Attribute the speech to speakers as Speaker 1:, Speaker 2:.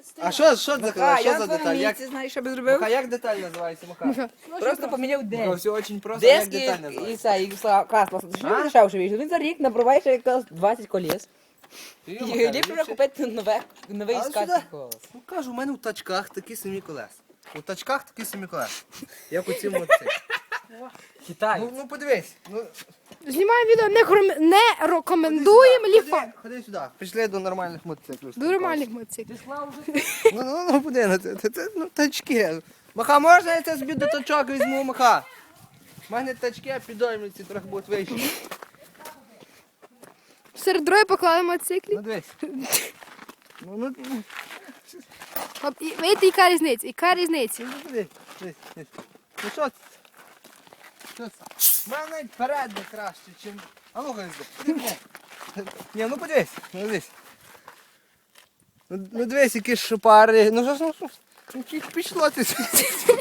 Speaker 1: А що за деталь? Що
Speaker 2: я
Speaker 1: за
Speaker 2: на
Speaker 1: деталь? Як,
Speaker 2: місці, знаєш, що би зробив?
Speaker 1: Маха, як деталь називається, Маха?
Speaker 2: Просто поміняв
Speaker 1: Маха,
Speaker 2: день.
Speaker 1: все дуже просто, як
Speaker 2: Диски
Speaker 1: деталь
Speaker 2: і
Speaker 1: називається?
Speaker 2: це, і красло. Що
Speaker 1: А?
Speaker 2: дешевше вийшло? Він за рік набриває ще якраз 20 коліс.
Speaker 1: Ти,
Speaker 2: І
Speaker 1: Маха,
Speaker 2: ліпше вже
Speaker 1: ліпше.
Speaker 2: купити новий
Speaker 1: Але
Speaker 2: скат
Speaker 1: сюди.
Speaker 2: колес.
Speaker 1: Ну кажу, у мене в тачках такі самі колеса. У тачках такі самі колеса. Як у цій мотоциклі.
Speaker 2: Китай.
Speaker 1: Ну подивись. Ну,
Speaker 3: Знімаємо відео, не рекомендуємо ліфа.
Speaker 1: Ходи сюди. Пішли до нормальних мотоциклів.
Speaker 3: До нормальних мотоциклів.
Speaker 1: Ну, куди на це? Ну, тачки. Маха, можна я це собі до тачок візьму, Маха? У мене тачки підоймуються, трохи будуть вищі.
Speaker 3: Серед дороги поклали мотоциклі.
Speaker 1: Ну, дивись. Ну,
Speaker 3: Видите, яка різниця? Яка різниця?
Speaker 1: дивись. Ну, що це? Що це? У мене навіть перед не краще, чим... А ну, хай Ні, ну подивись, ну дивись. Ну дивись, які шпари. Ну що ж, ну пішло ти.